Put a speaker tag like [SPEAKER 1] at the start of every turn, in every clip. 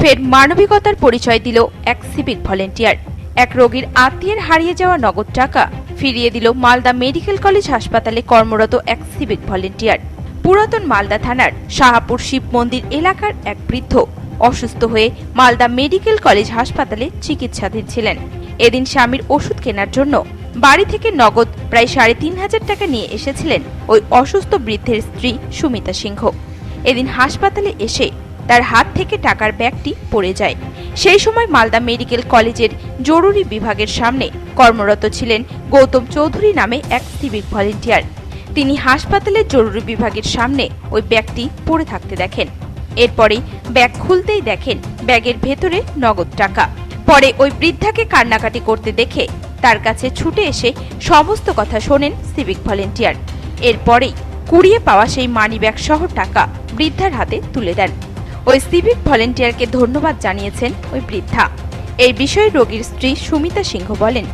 [SPEAKER 1] ফের মানবিকতার পরিচয় দিল এক সিভিক ভলেন্টিয়ার। এক রোগীর আত্মীয়ের হারিয়ে যাওয়া নগদ টাকা ফিরিয়ে দিল মালদা মেডিকেল কলেজ হাসপাতালে কর্মরত এক সিভিক ভলেন্টিয়ার। পুরাতন মালদা থানার শাহাপুর শিব মন্দির এলাকার এক বৃদ্ধ অসুস্থ হয়ে মালদা মেডিকেল কলেজ হাসপাতালে চিকিৎসাধীন ছিলেন। এদিন স্বামীর ওষুধ কেনার জন্য বাড়ি থেকে নগদ প্রায় ৩,৫০০ টাকা নিয়ে এসেছিলেন ওই অসুস্থ বৃদ্ধের স্ত্রী সুমিতা সিংহ। এদিন হাসপাতালে এসে তার হাত থেকে টাকার ব্যাগটি পড়ে যায়। সেই সময় মালদা মেডিকেল কলেজের জরুরি বিভাগের সামনে কর্মরত ছিলেন গৌতম চৌধুরী নামে এক সিভিক ভলেন্টিয়ার। তিনি হাসপাতালের জরুরি বিভাগের সামনে ওই ব্যাগটি পড়ে থাকতে দেখেন। এরপরেই ব্যাগ খুলতেই দেখেন ব্যাগের ভেতরে নগদ টাকা। পরে ওই বৃদ্ধাকে কান্নাকাটি করতে দেখে তার কাছে ছুটে এসে সমস্ত কথা শোনেন সিভিক ভলেন্টিয়ার। এরপরেই কুড়িয়ে পাওয়া সেই মানিব্যাগ সহ টাকা বৃদ্ধার হাতে তুলে দেন। ওই সিভিক ভলেন্টিয়ারকে ধন্যবাদ জানিয়েছেন ওই বৃদ্ধা। এই বিষয়ে রোগীর স্ত্রী সুমিতা সিংহ বলেন,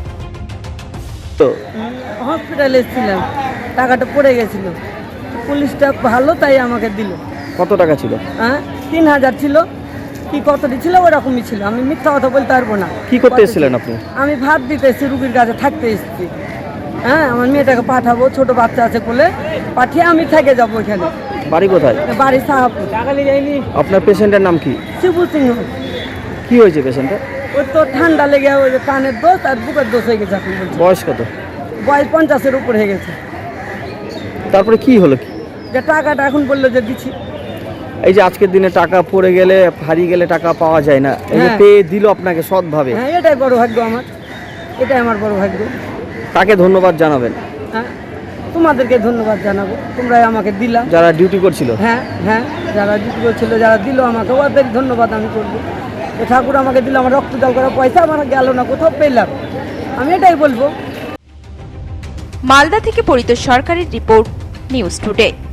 [SPEAKER 2] হসপিটালে ছিলাম, টাকাটা পড়ে গেছিল, পুলিশটা ভালো তাই আমাকে দিল।
[SPEAKER 3] কত টাকা ছিল?
[SPEAKER 2] ৩,০০০ ছিল কি কতটি ছিল ওরকমই ছিল, আমি মিথ্যা কথা বলতে পারবো না।
[SPEAKER 3] কি করতে এসেছিলেন আপনি?
[SPEAKER 2] আমি ভাত দিতে এসেছি, রুগীর কাছে থাকতে এসেছি। আমার মেয়েটাকে পাঠাবো, ছোট বাচ্চা আছে বলে পাঠিয়ে আমি থেকে যাবো এখানে।
[SPEAKER 3] বাড়ি কোথায়?
[SPEAKER 2] বাড়ি শাহাপুর।
[SPEAKER 3] আপনার পেশেন্টের নাম কি?
[SPEAKER 2] শিবু সিংহ।
[SPEAKER 3] কি হয়েছে পেশেন্টের?
[SPEAKER 2] ওই তো ঠান্ডা লেগে ওই যে কানের দোষ আর বুকের দোষ হয়ে গেছে। আপনি বলছেন
[SPEAKER 3] বয়স কত?
[SPEAKER 2] বয়স 50-এর উপর হয়ে গেছে।
[SPEAKER 3] তারপরে কি হলো? কি
[SPEAKER 2] যে টাকাটা এখন বললো যে দিচ্ছি।
[SPEAKER 3] এই যে আজকের দিনে টাকা পড়ে গেলে, হারিয়ে গেলে টাকা পাওয়া যায় না, এই যে
[SPEAKER 2] হ্যাঁ।
[SPEAKER 3] পেয়ে দিল আপনাকে সৎভাবে,
[SPEAKER 2] হ্যাঁ, এটাই বড় ভাগ্য আমার, এটাই আমার বড় ভাগ্য।
[SPEAKER 3] তাকে ধন্যবাদ জানাবেন।
[SPEAKER 2] হ্যাঁ, তোমাদেরকে ধন্যবাদ জানাবো, তোমরাই আমাকে দিলা।
[SPEAKER 3] যারা ডিউটি করছিল,
[SPEAKER 2] হ্যাঁ হ্যাঁ, যারা ডিউটি করছিল, যারা দিল আমাকে, ওদের ধন্যবাদ আমি করবো। এ ঠাকুর আমাকে দিল, আমার রক্ত জল করা পয়সা আমার গেল না, কোথাও পেলাম, আমি এটাই বলবো।
[SPEAKER 1] মালদা থেকে পরিতোষ সরকারের রিপোর্ট, নিউজ টুডে।